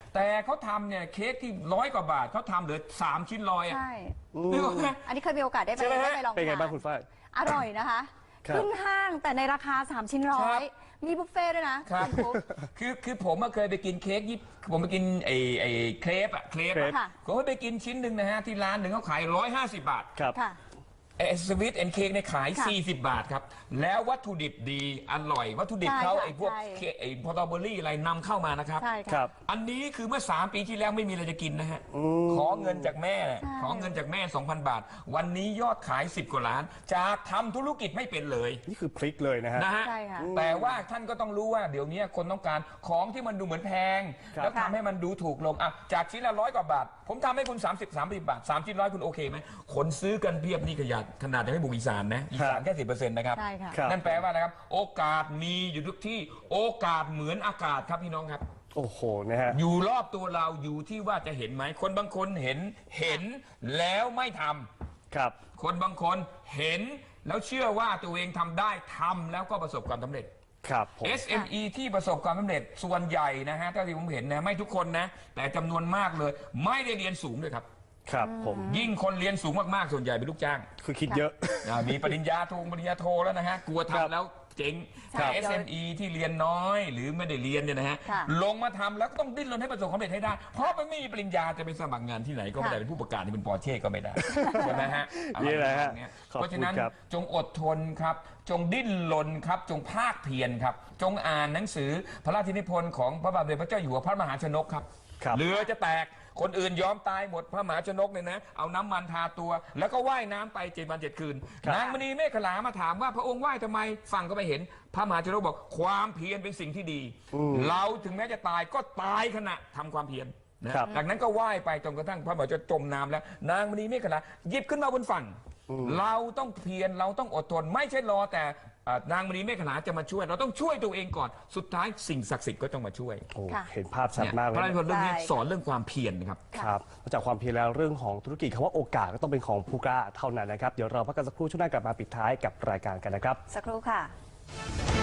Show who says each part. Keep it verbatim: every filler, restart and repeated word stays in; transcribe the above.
Speaker 1: แต่เขาทำเนี่ยเค้กที่ร้อยกว่าบาทเขาทำเหลือสามชิ้นร้อยอ่ะ
Speaker 2: ใช่
Speaker 1: นึกออกไหม
Speaker 2: อันนี้เคยมีโอกาสได้ไป
Speaker 1: ใช่ไหมฮะ
Speaker 2: ได้ไปลอง
Speaker 3: เป็นไง
Speaker 2: ทาน
Speaker 3: บ้างคุณฝ้าย
Speaker 2: อร่อยนะคะ
Speaker 3: ครับ
Speaker 2: ขึ้นห้างแต่ในราคาสามชิ้นร้อ
Speaker 1: ครั
Speaker 2: ย
Speaker 1: บ
Speaker 2: มีบุฟเฟ่ต์ด้วยนะครับ ณฟุ๊ก
Speaker 1: คือคือผมอะเคยไปกินเค้กยี่ผมไปกินไอ้ไอ้เครปอะเครป
Speaker 3: เคร
Speaker 1: อะ
Speaker 3: ป
Speaker 2: ค่ะ
Speaker 1: ผมไปกินชิ้นหนึ่งนะฮะที่ร้านหนึ่งเขาขายร้อยห้าสิบบาท
Speaker 3: ครับ
Speaker 2: ค่ะ
Speaker 1: ไอ้สวิตแอนเค้กเนี่ยขาย
Speaker 2: ค่ะ
Speaker 1: สี่สิบบาทครับ แล้ววัตถุดิบดีอร่อย วัตถุดิบ
Speaker 2: ใช่
Speaker 1: เขา
Speaker 2: ค่ะ
Speaker 1: ไอ้พวก
Speaker 2: ใช่
Speaker 1: เค้กไอ้พอตเบอรี่อะไรนำเข้ามานะครับ
Speaker 2: ใช่
Speaker 3: ครั
Speaker 2: ค่ะ
Speaker 3: บ
Speaker 1: อันนี้คือเมื่อสามปีที่แล้วไม่มีอะไรจะกินนะฮะ ขอเงินจากแม่น่ะ
Speaker 2: ใช่
Speaker 1: ขอเงินจากแม่ สองพัน บาท วันนี้ยอดขายสิบกว่าล้าน จากทำธุรกิจไม่เป็นเลย
Speaker 3: นี่คือพลิกเลยนะฮะ
Speaker 1: นะฮะ
Speaker 2: ใช่ค่ะ
Speaker 1: แต่ว่าท่านก็ต้องรู้ว่าเดี๋ยวนี้คนต้องการของที่มันดูเหมือนแพง
Speaker 3: ครับ
Speaker 1: แล้วทำให้มันดูถูกลงอ่ะจากชิ้นละร้อยกว่าบาท ผมทำให้คุณ สามสิบ สามสิบบาทสามชิ้นร้อยคุณโอเคไหมคนซื้อกันเพียบนี่ขยันขนาดยังไม่บุกอีสานนะอีสานแค่สิบเปอร์เซ็นต์นะครับ
Speaker 2: ใช่ค่ะ
Speaker 3: ครับ
Speaker 1: นั่นแปลว่าอะไรครับ โอกาสมีอยู่ทุกที่โอกาสเหมือนอากาศครับพี่น้องครับ
Speaker 3: โอ้โหนะฮะ
Speaker 1: อยู่รอบตัวเราอยู่ที่ว่าจะเห็นไหมคนบางคนเห็นเห็นแล้วไม่ทำ
Speaker 3: ครับ
Speaker 1: คนบางคนเห็นแล้วเชื่อว่าตัวเองทำได้ทำแล้วก็ประสบความสำเร็จ
Speaker 3: ครับผม
Speaker 1: เอส เอ็ม อี ที่ประสบความสำเร็จส่วนใหญ่นะฮะเท่าที่ผมเห็นนะไม่ทุกคนนะ แต่จำนวนมากเลย ไม่ได้เรียนสูงด้วยครับ
Speaker 3: ครับผม
Speaker 1: ยิ่งคนเรียนสูงมากๆส่วนใหญ่เป็นลูกจ้าง
Speaker 3: คือคิดเยอะ
Speaker 1: อ่ามีปริญญาโทปริญญาโทแล้วนะฮะกลัว
Speaker 3: ครับ
Speaker 1: ทำแล้วเจ๊ง
Speaker 2: ใช่
Speaker 1: แต่ เอส เอ็ม อี ที่เรียนน้อยหรือไม่ได้เรียนเนี่ยนะฮะ
Speaker 2: ค่ะ
Speaker 1: ลงมาทำแล้วก็ต้องดิ้นรนให้ประสบความสำเร็จให้ได้ เพราะมันไม่มีปริญญาจะไปสมัครงานที่ไหนก็ไม่ได้
Speaker 2: ค่ะ
Speaker 1: เป็นผู้ประกาศที่เป็นปอร์เช่ก็ไม่ได้ใช่ไหมฮะ
Speaker 3: นี่แหละฮะ
Speaker 1: อไรแบบนี้
Speaker 3: ขอบคุณ
Speaker 1: เพราะฉะนั้น
Speaker 3: ครับ
Speaker 1: จงอดทนครับ จงดิ้นรนครับ จงภาคเพียรครับ จงอ่านหนังสือพระราชนิพนธ์ของพระบาทสมเด็จพระเจ้าอยู่หัวพระมหาชนกครับ
Speaker 3: ครับ
Speaker 1: เรือจะแตกคนอื่นยอมตายหมดพระมหาชนกเนี่ยนะ เอาน้ำมันทาตัว แล้วก็ว่ายน้ำไปเจ็ดวันเจ็ดคืน
Speaker 3: ครับ
Speaker 1: นางมณีเมฆขลามาถามว่าพระองค์ว่ายทำไมฟังก็ไม่เห็น พระมหาชนกบอกความเพียรเป็นสิ่งที่ดี เราถึงแม้จะตายก็ตายขณะทำความเพียรนะครับ จากนั้นก็ว่ายไปจนกระทั่งพระมหาชนกจมน้ำแล้ว นางมณีเมฆขลาหยิบขึ้นมาบนฝั่ง เราต้องเพียรเราต้องอดทน ไม่ใช่รอแต่อ่านางมณีเมฆขลาจะมาช่วย เราต้องช่วยตัวเองก่อนสุดท้ายสิ่งศักดิ์สิทธิ์ก็ต้องมาช่วย
Speaker 3: โอ้
Speaker 2: ค่ะ
Speaker 3: เห็นภาพชัดมากเล
Speaker 1: พระราช
Speaker 3: ย
Speaker 1: นิพนธ์เรื่องนี้
Speaker 2: ใช่
Speaker 1: สอนเรื่องความเพียรนะครับ
Speaker 3: ครับนอกจากความเพียรแล้วเรื่องของธุรกิจคำว่าโอกาสก็ต้องเป็นของผู้กล้าเท่านั้นนะครับ เดี๋ยวเราพักกันสักครู่ช่วงหน้ากลับมาปิดท้ายกับรายการกันนะครับ
Speaker 2: สักครู่ค่ะ